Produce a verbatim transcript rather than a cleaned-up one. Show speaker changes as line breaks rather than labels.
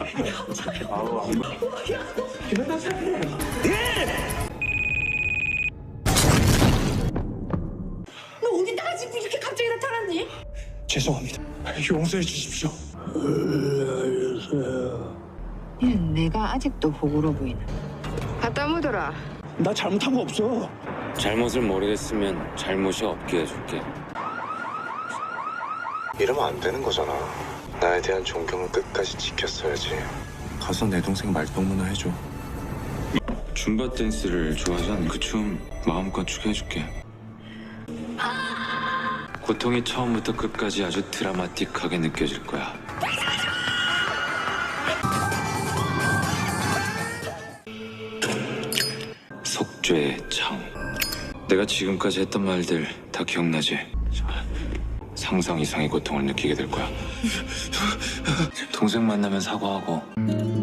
아우 안 봐. 이러다 살래.
너 어디다가 지금 이렇게 갑자기 나타났니?
죄송합니다. 용서해 주십시오.
얘는 내가 아직도 호구로 보이나? 갖다 묻어라.
나 잘못한 거 없어.
잘못을 모르겠으면 잘못이 없게 해줄게.
이러면 안 되는 거잖아. 나에 대한 존경은 끝까지 지켰어야지. 가서 내 동생 말동무나 해줘.
줌바 댄스를 좋아하잖아. 그 춤 마음껏 추게 해줄게. 고통이 처음부터 끝까지 아주 드라마틱하게 느껴질 거야. 속죄의 창. 내가 지금까지 했던 말들 다 기억나지? 상상 이상의 고통을 느끼게 될 거야. 동생 만나면 사과하고